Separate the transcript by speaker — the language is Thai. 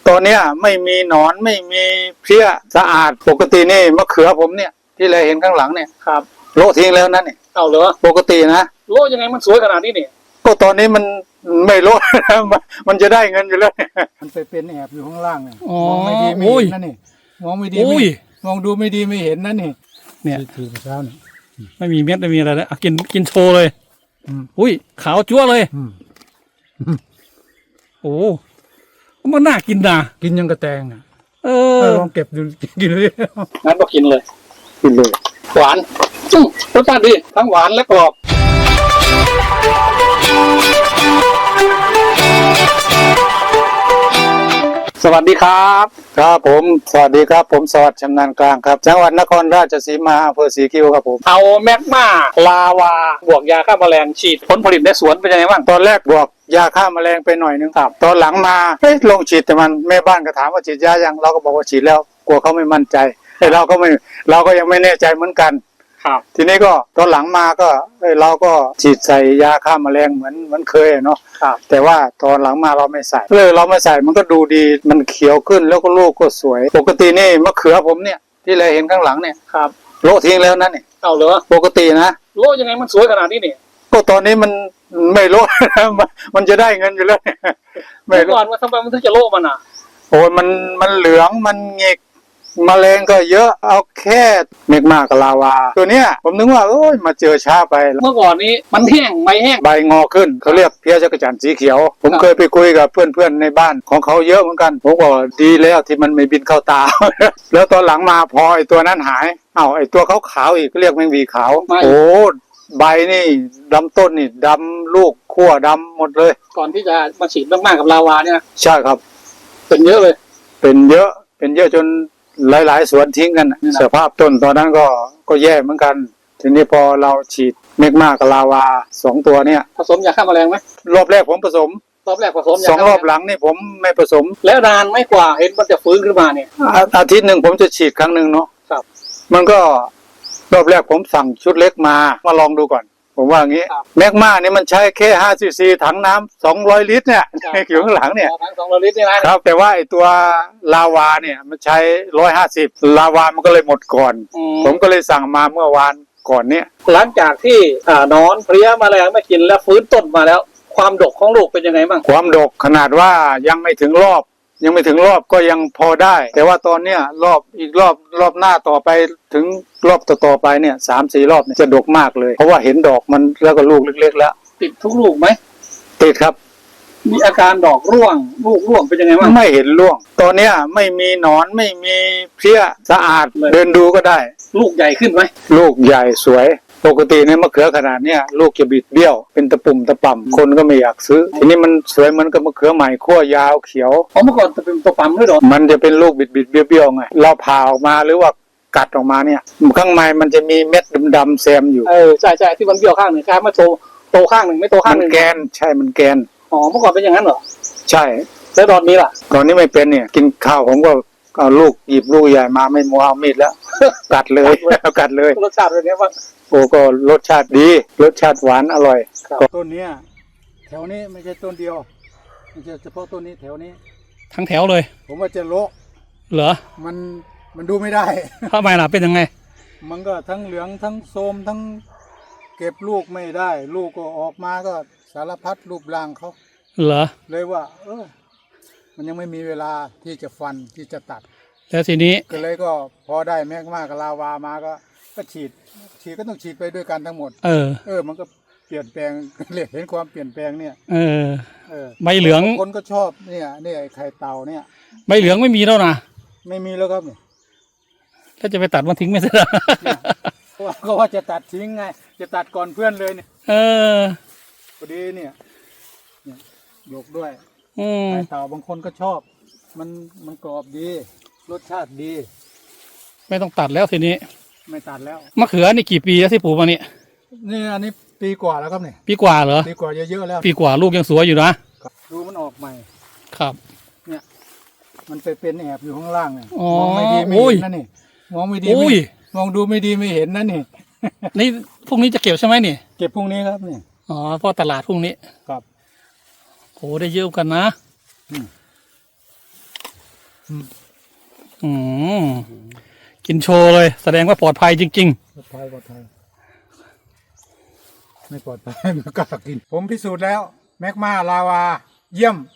Speaker 1: ตอนเนี้ยไม่มีหนอนไม่มีเพลี้ยสะอาดปกตินี่มะเขือผมเนี่ยที่เราเห็นข้างหลังเนี่ยครับโละทิ้งแล้วนั่นนี่เอาเหรอปกตินะโละยังไงมันสวยขนาดนี้นี่ก็ตอนนี้มันไม่โละมันจะได้เงินอยู่แล้วมันไปเป็นแอบอยู่ข้างล่างเนี่ยมองไม่ดีไม่เห็นนั่นนี่มองไม่ดีมองดูไม่ดีไม่เห็นนั่นนี่เนี่ยถือเช้านี่ไม่มีเม็ดไม่มีอะไรแล้วกินโชว์เลยอุ้ยขาวจั๊วเลยโอ้มันน่ากินนะกินยังกระแตงอ่ะลองเก็บดูกินเลยงั้นก็กินเลยหวานรสชาติดีทั้งหวานและกรอบสวัสดีครับครับผมสวัสดีครับผมสวัสดิ์ชำนาญกลางครับจังหวัดนครราชสีมาอำเภอศรีคิ้วครับผมเอาแมกมาลาวาบวกยาฆ่าแมลงฉีดผลผลิตในสวนเป็นยังไงบ้างตอนแรกบวกยาฆ่าแมลงไปหน่อยนึงครับตอนหลังมาลงฉีดแต่มันแม่บ้านก็ถามว่าฉีดยายังเราก็บอกว่าฉีดแล้วกลัวเขาไม่มั่นใจแต่เราก็ยังไม่แน่ใจเหมือนกันครับทีนี้ก็ตอนหลังมาก็เราก็ฉีดใส่ยาฆ่าแมลงเหมือนเคยเนาะแต่ว่าตอนหลังมาเราไม่ใส่เราไม่ใส่มันก็ดูดีมันเขียวขึ้นแล้วก็ลูกก็สวยปกตินี่มะเขือผมเนี่ยที่เราเห็นข้างหลังเนี่ยครับโละทิ้งแล้วนั่นนี่เอาเหรอปกตินะโละยังไงมันสวยขนาดนี้นี่ก็ตอนนี้มันไม่โละมันจะได้เงินอยู่แล้วไม่ก่อนว่าทำไมมันถึงจะโละมันอ่ะโอ้ยมันเหลืองมันเงกแมลงก็เยอะเอาแค่เมกมากับลาวาตัวเนี้ยผมนึกว่ามาเจอช้าไปเมื่อก่อนนี้มันแห้งใบงอขึ้นเขาเรียกเพี้ยจักรจั่นสีเขียวผมเคยไปคุยกับเพื่อนๆในบ้านของเขาเยอะเหมือนกันผมบอกดีแล้วที่มันไม่บินเข้าตา แล้วตอนหลังมาพอไอ้ตัวนั้นหายไอ้ตัวขาวๆอีกก็เรียกแมงวีขาวโอ้ใบนี่ดำต้นนี่ดำลูกขั้วดำหมดเลยก่อนที่จะมาฉีดมากๆกับลาวาเนี่ยใช่ครับเป็นเยอะเลยเป็นเยอะจนหลายๆสวนทิ้งกันสภาพต้นตอนนั้นก็แย่เหมือนกันทีนี้พอเราฉีดเมกมากับลาวา2ตัวเนี่ยผสมยาฆ่าแมลงไหมรอบแรกผมผสม2 รอบหลังนี่ผมไม่ผสมแล้วนานไม่กว่าเห็นมันจะฟื้นขึ้นมาเนี่ยอาทิตย์หนึ่งผมจะฉีดครั้งหนึ่งเนาะครับมันก็รอบแรกผมสั่งชุดเล็กมาลองดูก่อนผมว่าอย่างนี้แมกมาเนี่ยมันใช้แค่5 cc ถังน้ำ200 ลิตรเนี่ยอยู่ข้างหลังเนี่ยถัง200 ลิตรนี่นะครับแต่ว่าไอตัวลาวาเนี่ยมันใช้150ลาวามันก็เลยหมดก่อนผมก็เลยสั่งมาเมื่อวานก่อนเนี่ยหลังจากที่นอนเพลี้ยแมลงไม่กินแล้วฟื้นต้นมาแล้วความดกของลูกเป็นยังไงบ้างความดกขนาดว่ายังไม่ถึงรอบก็ยังพอได้แต่ว่าตอนเนี้ยรอบหน้าต่อไปถึงรอบต่อไปเนี่ย3-4 รอบเนี่ยจะดกมากเลยเพราะว่าเห็นดอกมันแล้วก็ลูกเล็กๆแล้วติดทุกลูกไหมติดครับมีอาการดอกร่วงลูกร่วงเป็นยังไงบ้างไม่เห็นร่วงตอนเนี้ยไม่มีหนอนไม่มีเพลี้ยสะอาดเดินดูก็ได้ลูกใหญ่ขึ้นไหมลูกใหญ่สวยปกติเนี่ยมะเขือขนาดเนี้ยลูกจะบิดเบี้ยวเป็นตะปุ่มตะป่ำคนก็ไม่อยากซื้อทีนี้มันสวยเหมือนกับมะเขือใหม่ขั้วยาวเขียวเมื่อก่อนจะเป็นตะป่ำด้วยหรอมันจะเป็นลูกบิดเบี้ยวไงเราผ่าออกมาหรือว่ากัดออกมาเนี่ยข้างในมันจะมีเม็ดดำๆแซมอยู่ใช่ที่มันเบี้ยวข้างหนึ่งคล้ายมาโตข้างหนึ่งไม่โตข้างหนึ่งมันแกนใช่มันแกนเมื่อก่อนเป็นอย่างนั้นเหรอใช่แล้วตอนนี้ล่ะตอนนี้ไม่เป็นเนี่ยกินข้าวผมก็เอาลูกหยิบลูกใหญ่มาไม่มัวเอามีดแล้วกัดเลยรสชาติเป็นไงบ้างโอ้ก็รสชาติดีรสชาติหวานอร่อยต้นนี้แถวนี้ไม่ใช่ต้นเดียวไม่ใช่เฉพาะต้นนี้แถวนี้ทั้งแถวเลยผมว่าจะโละเหรอมันดูไม่ได้ทำไมล่ะเป็นยังไงมันก็ทั้งเหลืองทั้งโทรมทั้งเก็บลูกไม่ได้ลูกก็ออกมาก็สารพัดรูปร่างเขาเหรอเลยว่ามันยังไม่มีเวลาที่จะฟันที่จะตัดแล้วทีนี้ก็เลยก็พอได้แมกมากับลาวามาก็ฉีดก็ต้องฉีดไปด้วยกันทั้งหมดมันก็เปลี่ยนแปลงเห็นความเปลี่ยนแปลงเนี่ยใบเหลืองคนก็ชอบเนี่ยไอ้ไข่เต่าเนี่ยใบเหลืองไม่มีแล้วนะไม่มีแล้วครับถ้าจะไปตัดมันทิ้งไม่ได้ก็ว่าจะตัดทิ้งไงจะตัดก่อนเพื่อนเลยเนี่ยพอดีเนี่ยยกด้วยไข่เต่าบางคนก็ชอบมันกรอบดีรสชาติดีไม่ต้องตัดแล้วทีนี้ไม่ตัดแล้วมะเขือนี่กี่ปีแล้วที่ปลูกมานี่อันนี้ปีกว่าแล้วครับเนี่ยปีกว่าเหรอปีกว่าเยอะๆแล้วปีกว่าลูกยังสวยอยู่นะดูมันออกใหม่ครับเนี่ยมันไปเป็นแอบอยู่ข้างล่างเนี่ยมองไม่ดีไม่เห็นนั่นนี่มองไม่ดีมองดูไม่ดีไม่เห็นนั่นนี่พรุ่งนี้จะเก็บใช่ไหมนี่เก็บพรุ่งนี้ครับนี่เพราะตลาดพรุ่งนี้ครับโหได้เยอะกันนะอืมกินโชว์เลยแสดงว่าปลอดภัยจริง
Speaker 2: ปลอดภัยไม่ปลอดภัยไม่กล้ากินผมพิสูจน์แล้วแมกมาลาวาเยี่ยม